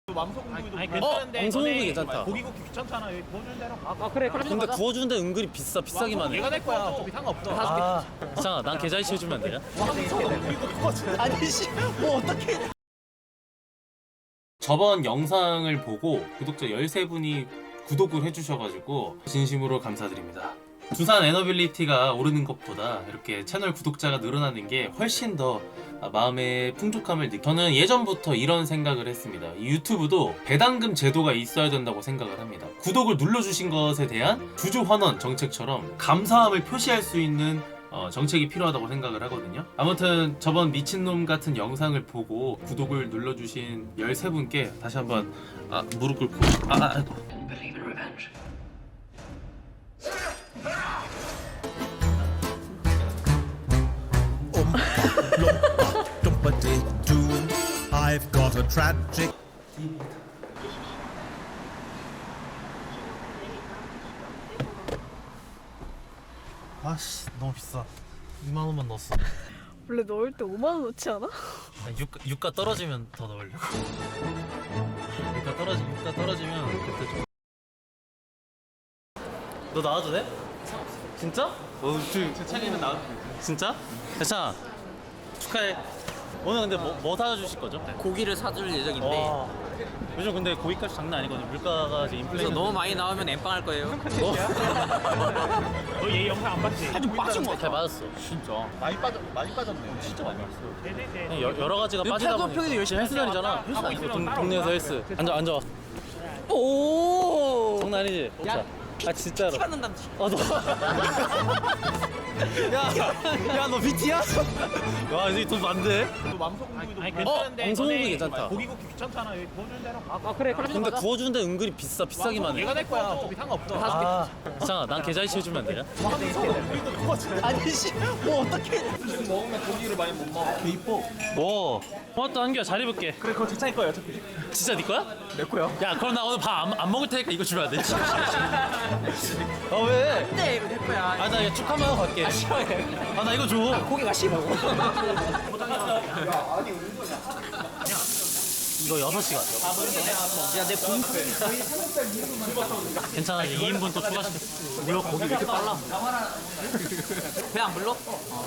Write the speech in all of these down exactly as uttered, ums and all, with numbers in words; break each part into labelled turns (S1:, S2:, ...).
S1: 왕소금구이도
S2: 아니,
S1: 괜찮은데
S2: 어? 왕소금구이
S1: 너네
S2: 괜찮다.
S1: 고기 굽기 귀찮잖아. 여기 구워주는 대로 가.
S3: 아 그래 그럼
S2: 근데
S3: 가자.
S2: 구워주는데 은근히 비싸 비싸기만 해.
S1: 얘가 내 거야. 어차피 상관없어.
S2: 아, 잠깐 난 계좌 이체해주면 안 되냐?
S1: 왕소금구이도 구워주는. 아니 씨, 뭐 어떻게?
S4: 저번 영상을 보고 구독자 열세 분이 구독을 해주셔가지고 진심으로 감사드립니다. 두산 에너빌리티가 오르는 것보다 이렇게 채널 구독자가 늘어나는 게 훨씬 더 마음의 풍족함을 느끼. 저는 예전부터 이런 생각을 했습니다. 이 유튜브도 배당금 제도가 있어야 된다고 생각을 합니다. 구독을 눌러주신 것에 대한 주주환원 정책처럼 감사함을 표시할 수 있는 어, 정책이 필요하다고 생각을 하거든요. 아무튼 저번 미친놈 같은 영상을 보고 구독을 눌러주신 열세 분께 다시 한번 아, 무릎 꿇고 아, 아, 아이고.
S5: I've got a tragic.
S2: 아씨 너무 비싸. 이만 원만 넣었어.
S3: 원래 넣을 때 오만 원 넣지 않아?
S2: 유가, 유가 떨어지면 더 넣으려고. 유가 떨어지 유가 떨어지면 그때 좀. 너 나와도 돼? 진짜? 어, 저,
S1: 제 차례는 나와도 돼.
S2: 진짜? 대찬 축하해. 오늘 근데 뭐, 뭐 사주실 거죠?
S6: 고기를 사줄 예정인데
S2: 와, 요즘 근데 고기값이 장난 아니거든요. 물가가 지금
S6: 그래서
S2: 인플레이션.
S6: 너무 많이 나오면 엠빵 할 거예요.
S1: 너 얘 영상 안 봤지?
S2: 좀 빠진 거 같아. 맞았어.
S1: 진짜. 많이 빠졌 많이 빠졌네. 진짜 많이 빠졌어.
S2: 그냥 여, 여러 가지가 빠지다 보니.
S6: 평일에 열심히
S2: 헬스 다니잖아.
S1: 헬스 다니잖아.
S2: 동, 동네에서 헬스. 앉아 앉아.
S6: 오.
S2: 장난 아니지? 자. 아 진짜로.
S6: 티 받는다.
S2: 아 너. 야, 너 비티야? 와, 이제 돈 많네.
S1: 왕소금구이도
S2: 아니,
S1: 괜찮은데
S2: 어, 왕소금구이
S1: 너네
S2: 괜찮다.
S1: 고기 굽기 귀찮잖아. 여기 구워주는 대로 가.
S3: 아 그래 그럼
S2: 근데
S3: 가자.
S2: 구워주는데 은근히 비싸 비싸기만
S1: 얘가
S2: 해.
S1: 내 거야. 어차피 상관없어.
S2: 아, 잠깐 난 계좌 이체해주면 안 되냐?
S1: 왕소금구이도 구워주는. 아니 씨, 뭐 어떻게? 지금 먹으면 고기를 많이 못 먹어. 개 이뻐.
S2: 와, 고맙다 한규야. 잘 입을게.
S1: 그래 그거 제 차일 거야 어차피.
S2: 진짜 네 거야?
S1: 내 거야.
S2: 야, 그럼 나 오늘 밥 안 안 먹을 테니까 이거 주면 안 돼? 아 왜?
S6: 네 이거 내 거야.
S2: 아 나 이거 축하만 하고 갈게. 아 나 이거 줘.
S6: 고기가 싫어.
S2: 이거 여섯 시간.
S6: 야내 공.
S2: 괜찮아. 이제 이 인분 또 추가시켜. 이거 고기 왜 이렇게 빨라?
S6: 배 안 불러?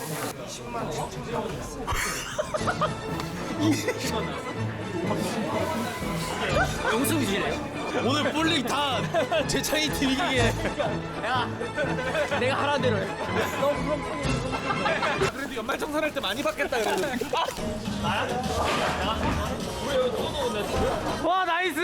S6: 영수이지래.
S2: 오늘 볼링 다 제 차이 딜기게.
S6: 야 내가 하라는 대로 해.
S1: 그래도 연말정산할 때 많이 받겠다 그래도.
S2: 와 나이스.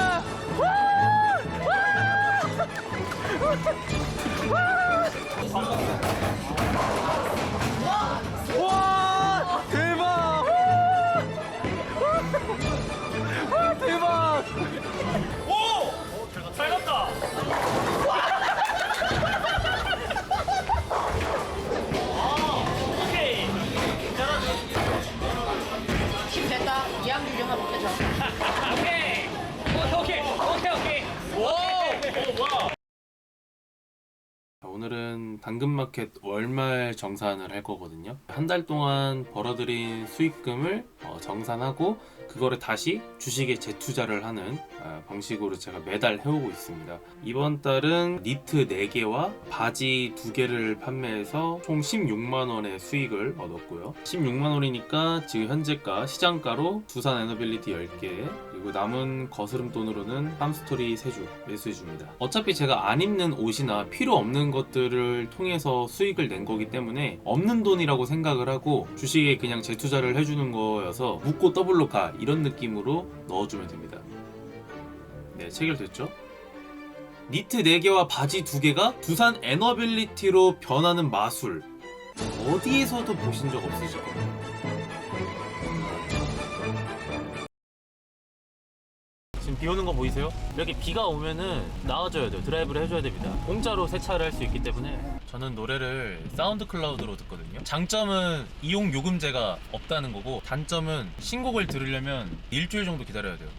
S2: 와 대박. 와 대박. 오! 잘 갔다. 오케이.
S3: 힘 됐다. 이양 유경아 못해줘.
S1: 오케이. 오케이 오케이 오케이. 오! 오 와.
S4: 오늘은 당근마켓 월말 정산을 할 거거든요. 한 달 동안 벌어들인 수익금을 어, 정산하고 그거를 다시 주식에 재투자를 하는 어, 방식으로 제가 매달 해오고 있습니다. 이번 달은 니트 네 개와 바지 두 개를 판매해서 총 십육만 원의 수익을 얻었고요. 십육만 원이니까 지금 현재가 시장가로 두산 에너빌리티 열 개 그리고 남은 거스름 돈으로는 팜스토리 세 주 매수해줍니다. 어차피 제가 안 입는 옷이나 필요 없는 것들을 통해서 수익을 낸 거기 때문에 없는 돈이라고 생각을 하고 주식에 그냥 재투자를 해주는 거여서 묻고 더블로 가 이런 느낌으로 넣어주면 됩니다. 네, 체결됐죠? 니트 네 개와 바지 두 개가 두산 에너빌리티로 변하는 마술 어디에서도 보신 적 없으실 겁니다.
S2: 지금 비 오는 거 보이세요? 이렇게 비가 오면은 나와줘야 돼요. 드라이브를 해줘야 됩니다. 공짜로 세차를 할 수 있기 때문에. 저는 노래를 사운드 클라우드로 듣거든요. 장점은 이용 요금제가 없다는 거고, 단점은 신곡을 들으려면 일주일 정도 기다려야 돼요.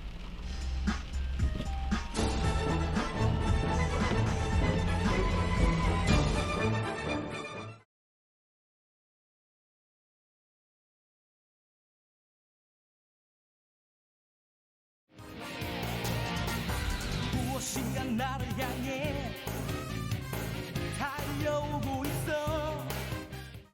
S7: 나를 향해